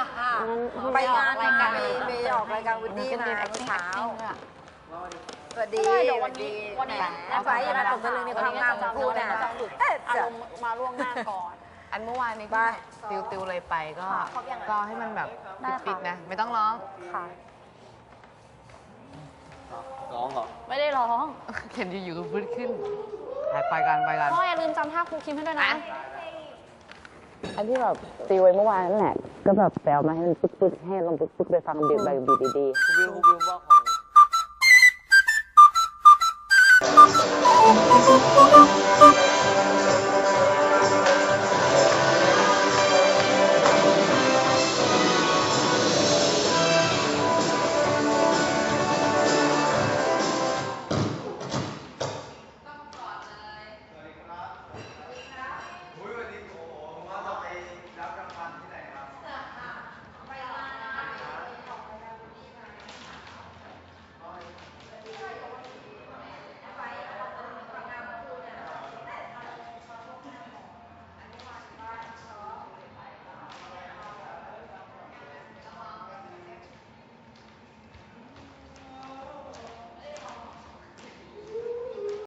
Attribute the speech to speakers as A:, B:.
A: ไปงานมามีออกรายการวินดี้มาเมื่อเช้าสวัสดีวันนี้ไฟยังมาตกตะลึงในความงามของพูดนะอารมณ์มาล่วงหน้าก่อน
B: อันเมื่อวานนี้ที่ติวเลยไปก็ให้มันแบบปิดๆนะไม่ต้องร้อง
A: ค่ะ
C: ร้องเหรอ
D: ไม่ได้ร้อง
B: เห็นอยู่ๆก็พื้นขึ้นไปกัน
D: พ่ออย่าลืมจำท่าครูคิมให้ด้วยนะ
E: อันที่แบบตีไว้เมื่อวานนั่นแหละก็แบบแปลมาให้มันปึ๊กๆให้ลองปึ๊กๆไปฟังบีบแบบบีบดีๆ
C: วิวว่าของ